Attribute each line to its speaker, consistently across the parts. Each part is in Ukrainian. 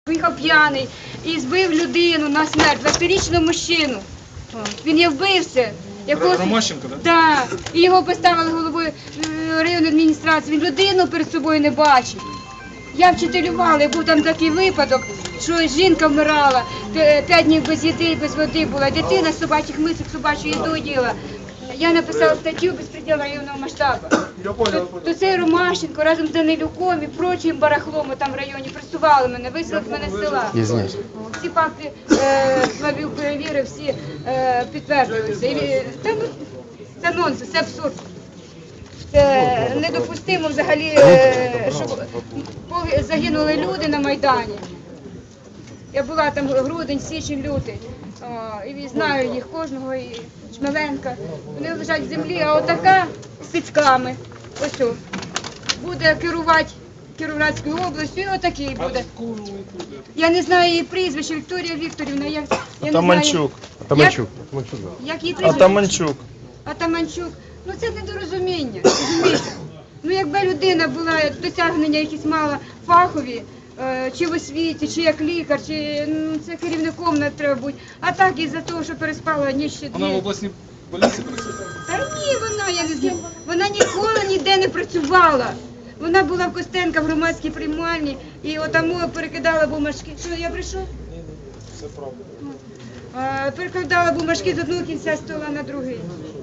Speaker 1: Поїхав п'яний і збив людину на смерть, 20-річного мужчину. Він є вбивця.
Speaker 2: Ромащенко, так?
Speaker 1: Так. І його поставили головою районної адміністрації. Він людину перед собою не бачив. Я вчителювала, був там такий випадок, що жінка вмирала, 5 днів без їди, без води була, дитина з собачих мисок, собачу їду їла. Я написала статтю «Безпреділ районного масштабу». То цей Ромащенко разом з Данилюком і прочим барахлом там в районі пресували мене, виселили мене з села. Всі факти Славів перевірив, всі підтвердилися. Це нонсенс, це абсурд. Це недопустимо взагалі, щоб загинули люди на Майдані. Я була там грудень, січень, лютий. І знаю їх кожного, і Шмеленка. Вони лежать в землі, а отака з цицьками, ось о, буде керувати Кіровоградською областю, і отакий буде. Я не знаю її прізвище, Вікторія Вікторівна. Я
Speaker 3: Атаманчук.
Speaker 1: Як її прізвище?
Speaker 3: Атаманчук.
Speaker 1: Атаманчук. Ну це недорозуміння, розумієте? Ну якби людина була, досягнення якісь мала фахові, чи в освіті, чи як лікар, чи це керівником не треба бути. А так із-за того, що переспала ніч ще
Speaker 2: Вона в
Speaker 1: дві.
Speaker 2: обласній поліції працює?
Speaker 1: Та ні, я не знаю. Вона ніколи ніде не працювала. Вона була в Костенка в громадській приймальні і отаму перекидала бумажки. Що, я прийшов?
Speaker 2: Все правда.
Speaker 1: Перекидала бумажки з одного кінця стола на другий.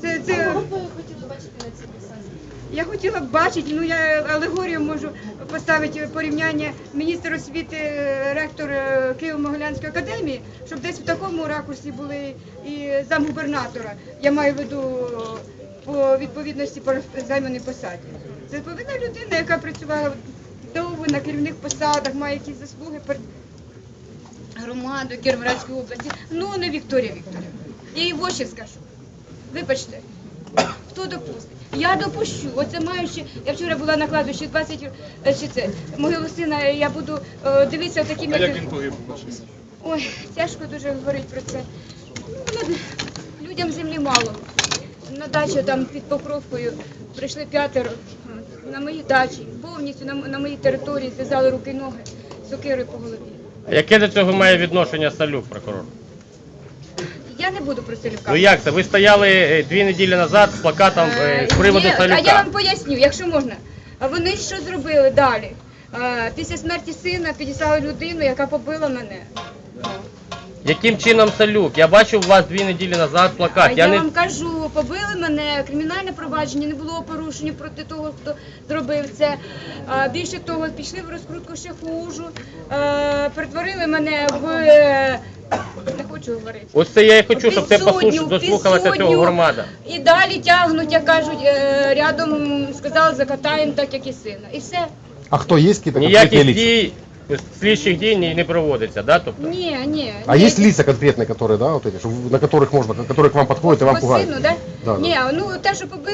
Speaker 1: Я хотіла б бачити, ну я алегорію можу поставити порівняння міністр освіти, ректор Києво-Могилянської академії, щоб десь в такому ракурсі були і замгубернатора. Я маю в виду по відповідності по займаній посаді. Це повинна людина, яка працювала довго на керівних посадах, має якісь заслуги перед громадою Кіровоградської області. Ну, не Вікторія Вікторівна. Я їй в очі скажу. Вибачте, хто допустить? Я допущу. Оце маю ще, я вчора була на кладбищі 20, чи це, могилу сина, я буду дивитися такі...
Speaker 2: А як він погиб?
Speaker 1: Ой, тяжко дуже говорити про це. Ну, людям землі мало. На дачу там під Покровкою прийшли 5 на моїй дачі, повністю на моїй території зв'язали руки і ноги, сокирою по голові.
Speaker 3: А яке до цього має відношення Салюк, прокурор?
Speaker 1: Я не буду про Салюка.
Speaker 3: Ну як це? Ви стояли 2 неділі назад з плакатом з приводу Салюка.
Speaker 1: А я вам поясню, якщо можна. А вони що зробили далі? Після смерті сина підіслали людину, яка побила мене.
Speaker 3: Яким чином Салюк? Я бачив у вас 2 неділі назад плакат.
Speaker 1: Я вам кажу, побили мене, кримінальне провадження не було порушення проти того, хто зробив це. Більше того, пішли в розкрутку ще хужу, перетворили мене в... Не хочу говорити.
Speaker 3: Ось це я і хочу, щоб ти дослухалася цього громада.
Speaker 1: І далі тягнуть, як кажуть, рядом сказали, закатаємо так, як і сина. І все.
Speaker 4: А кто есть какие-то конкретные
Speaker 3: Ніяких
Speaker 4: лица?
Speaker 3: дій, слідчих дій не проводиться, да? Тобто?
Speaker 1: Ні.
Speaker 4: А есть лица конкретные, которые, да, вот эти, на которых можно, которые к вам подходят и вам
Speaker 1: По
Speaker 4: пугают?
Speaker 1: сину, да?
Speaker 4: Да,
Speaker 1: Ні, ну те, що побили.